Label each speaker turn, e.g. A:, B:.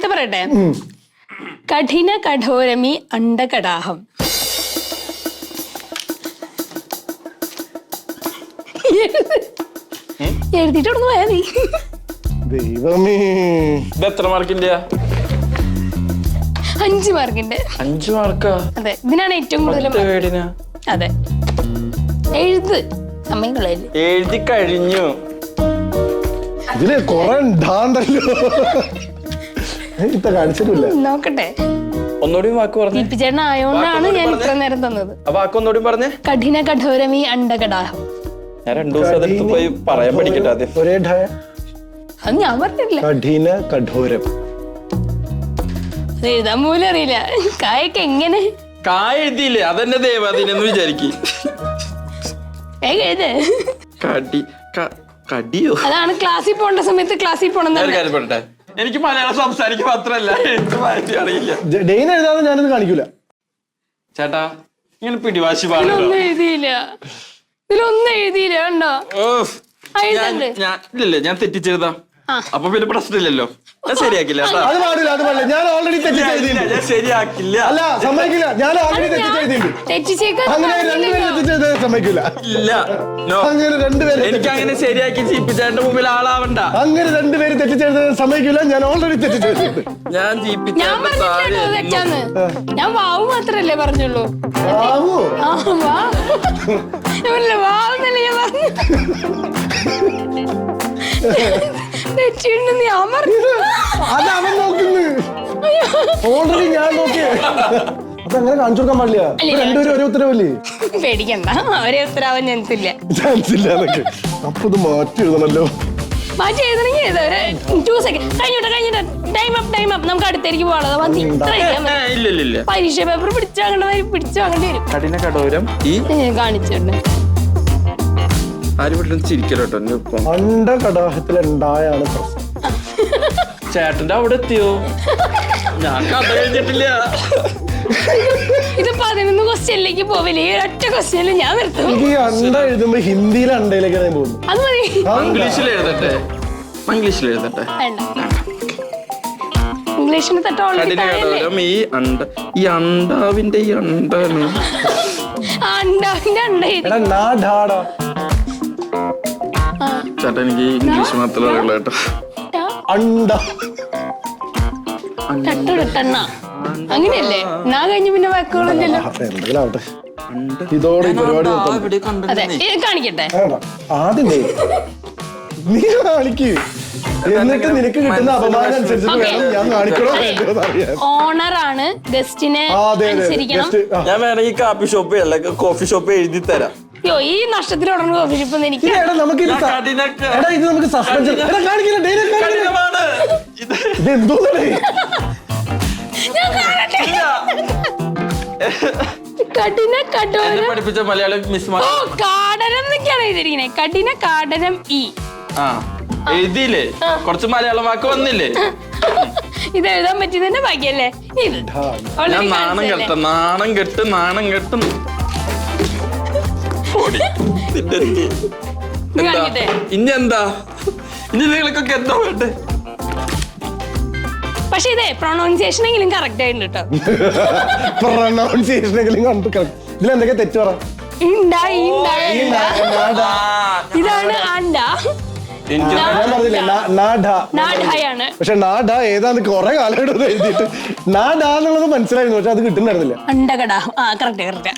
A: അടുത്ത പറയട്ടെ. കഠിന കഠോരമി അണ്ടകടാഹം. എഴുതിട്ടൊന്ന് പോയാ നീ.
B: ദൈവമേ,
C: ഇത് എത്ര മാർക്കിന്റെ?
A: 5 മാർക്കിന്റെ.
C: 5 മാർക്കാ?
A: അതെ, ഇതിനാണ് ഏറ്റവും കൂടുതൽ. അതെ, എഴുത് സമയം കളയല്ലേ.
C: എഴുതി കഴിഞ്ഞു.
B: ഇതില് കൊറേ ഉണ്ടാണ്ടല്ലോ. ഇപ്പൊ കാണിച്ചിട്ടില്ല.
A: നോക്കട്ടെ,
C: ഒന്നുകൂടി വാക്ക് പറഞ്ഞു.
A: ദീപിച്ചേട്ടൻ ആയോണ്ടാണ് ഞാൻ ഇത്ര നേരം തന്നത്.
C: ആ വാക്ക് ഒന്നുകൂടി പറഞ്ഞേ.
A: കഠിന കഠോരമി അണ്ടകടാഹം.
C: ഞാൻ 2 ദിവസം അതെടുത്ത് പോയി പറയാൻ പഠിക്കട്ടെ ആദ്യം.
B: ഒരേ ഢായ.
A: അത് ഞാൻ പറഞ്ഞിട്ടില്ല.
B: കഠിന കഠോരം.
A: അത് എഴുതാൻ പോലും അറിയില്ല. കായൊക്കെ എങ്ങനെ
C: കായ എഴുതിയില്ലേ? അതെന്നെ ദേവാദീനെന്ന് വിചാരിക്കും.
A: എഴുത്.
C: കടിയോ?
A: അതാണ് ക്ലാസ്സിൽ പോകേണ്ട സമയത്ത് ക്ലാസ്സിൽ പോകണം.
C: എനിക്ക് മലയാളം സംസാരിക്കാൻ മാത്രല്ല അറിയില്ല.
B: ഡെയിൻ എഴുതാതെ ഞാനത് കാണിക്കൂല.
C: ചേട്ടാ, ഇങ്ങനെ പിടിവാശി പാടില്ല.
A: ഇതിലൊന്നും എഴുതിയില്ല. കണ്ടോ?
C: ഇല്ലല്ലേ, ഞാൻ തെറ്റിച്ചെഴുതാം. അപ്പൊ പിന്നെ പ്രശ്നമില്ലല്ലോ. ഞാൻ ശരിയാക്കില്ല.
B: അത് പാടില്ല, അത് പാടില്ല. ഞാൻ ഓൾറെഡി തെറ്റിച്ചെഴുതിയില്ല.
C: ഞാൻ ശരിയാക്കില്ല.
B: അല്ല, സമ്മതിക്കില്ല. ഞാൻ ഓൾറെഡി തെറ്റിച്ചെഴുതിയിട്ടുണ്ട്. അങ്ങനെ രണ്ടുപേരും തെറ്റിച്ചെഴുതാൻ സമ്മതിക്കില്ല.
C: ഇല്ല,
B: അങ്ങനെ രണ്ടുപേരും
C: എനിക്ക് അങ്ങനെ ശരിയാക്കി ജീപ്പിച്ചേട്ടന്റെ മുമ്പിൽ ആളാവണ്ട.
B: അങ്ങനെ രണ്ടുപേരും തെറ്റിച്ചെഴുതാൻ സമ്മതിക്കില്ല. ഞാൻ ഓൾറെഡി തെറ്റിച്ചെഴുതിയിട്ടുണ്ട്.
C: ഞാൻ
A: ഞാൻ വാവ് മാത്രല്ലേ പറഞ്ഞുള്ളൂ.
B: ആവോ?
A: വാവെന്നല്ലേ ഞാൻ പറഞ്ഞു.
B: അത് അവൻ നോക്കുന്നു. ഓൾറെഡി ഞാൻ നോക്കിയേ. അതങ്ങനെ കാണിച്ചു കൊടുക്കാൻ പാടില്ല. രണ്ടുപേരും ഒരേ ഉത്തരവല്ലേ?
A: പേടിക്കണ്ട, ഒരേ ഉത്തരവാൻ ചാൻസില്ല.
B: ചാൻസില്ല. അപ്പൊ ഇത് മാറ്റി എഴുതണല്ലോ.
A: മാറ്റി എഴുതണമെങ്കിൽ 2 സെക്കൻഡ് കഴിഞ്ഞിട്ട് ടൈം അപ്പ്. നമുക്ക് അടുത്തേക്ക് പോകാനുള്ളത്. പരീക്ഷ പേപ്പർ പിടിച്ചു വാങ്ങേണ്ടി വരും.
C: കഠിന കഠോരം
A: കാണിച്ചിട്ടുണ്ട്.
C: ആരും ചിരിക്കലോട്ടോ.
B: അണ്ടകടാഹത്തിലുണ്ടായാണ് പ്രശ്നം.
C: ചേട്ടന്റെ അവിടെ എത്തിയോ? ഞാൻ കഥ കഴിഞ്ഞിട്ടില്ല.
A: ഇത് 11 ക്വസ്റ്റ്യനിലേക്ക് പോവില്ലേ? ഒറ്റ ക്വസ്റ്റ്യനിൽ ഞാൻ നിർത്തും.
B: എനിക്ക് അണ്ട എഴുതുമ്പോ ഹിന്ദിയിലെ അണ്ടയിലേക്കാണ് പോകുന്നത്.
A: അത് മതി.
C: ഇംഗ്ലീഷിൽ എഴുതട്ടെ.
A: ഇംഗ്ലീഷിന്
C: കഠിന കഠോരം ഈ അണ്ടാവിന്റെ അണ്ടാണ്. ചേട്ടാ, എനിക്ക് ഇംഗ്ലീഷ് മാത്രമേ അറിയുള്ളൂ കേട്ടോ.
A: അങ്ങനെയല്ലേ? നാ കഴിഞ്ഞ് പിന്നെ വാക്കുകളില്ലല്ലോ.
B: ഇതോടെ പരിപാടി
A: കാണിക്കട്ടെ.
B: ആദ്യം നീ കാണിക്ക്, എന്നിട്ട് നിനക്ക് കിട്ടുന്ന അപമാനം അനുസരിച്ച് വേണം ഞാൻ കാണിക്കണോ വേണ്ടോ അറിയാൻ.
A: ഓണറാണ്, ഗസ്റ്റിനെ അനുസരിക്കണം.
C: ഞാൻ വേണമെങ്കിൽ കാപ്പി ഷോപ്പ് അല്ല കോഫി ഷോപ്പ് എഴുതി തരാം.
A: അയ്യോ, ഈ നഷ്ടത്തിൽ ഉടനെ കോഫി ഷോപ്പ് എനിക്ക്.
B: ഇത് നമുക്ക് സസ്പെൻഷൻ. ഇത് എന്തോന്നേ?
A: കഠിന കഠോരം
C: പഠിപ്പിച്ച മലയാളം മിസ്.
A: കാടനം എന്നൊക്കെയാണ് എഴുതിയിരിക്കുന്നത്. കഠിന കാടനം
C: എഴുതിയില്ലേ? കുറച്ച് മലയാളം വാക്ക് വന്നില്ലേ?
A: ഇത് എഴുതാൻ പറ്റിയതന്നെ ബാക്കിയല്ലേ?
C: ഞാൻ നാണം കെട്ടും. ഇനി എന്താ? ഇനി നിങ്ങൾക്കൊക്കെ എന്താ വേണ്ടേ?
A: പക്ഷെ ഇതേ പ്രൊണൗൺസിയേഷൻ എങ്കിലും കറക്റ്റ് ആയിട്ടുണ്ട് കേട്ടോ.
B: ഇതിലെന്തൊക്കെ തെറ്റ് പറ.
A: ഇതാണ് അണ്ട.
B: പക്ഷെ നാഡ ഏതാന്ന് കൊറേ കാലമായിട്ട് എഴുതിയിട്ട് നാഡ എന്നുള്ളത് മനസ്സിലായിരുന്നു. പക്ഷെ അത് കിട്ടുന്നുണ്ടായിരുന്നില്ല.
A: അണ്ടകടാഹം. കറക്റ്റ്.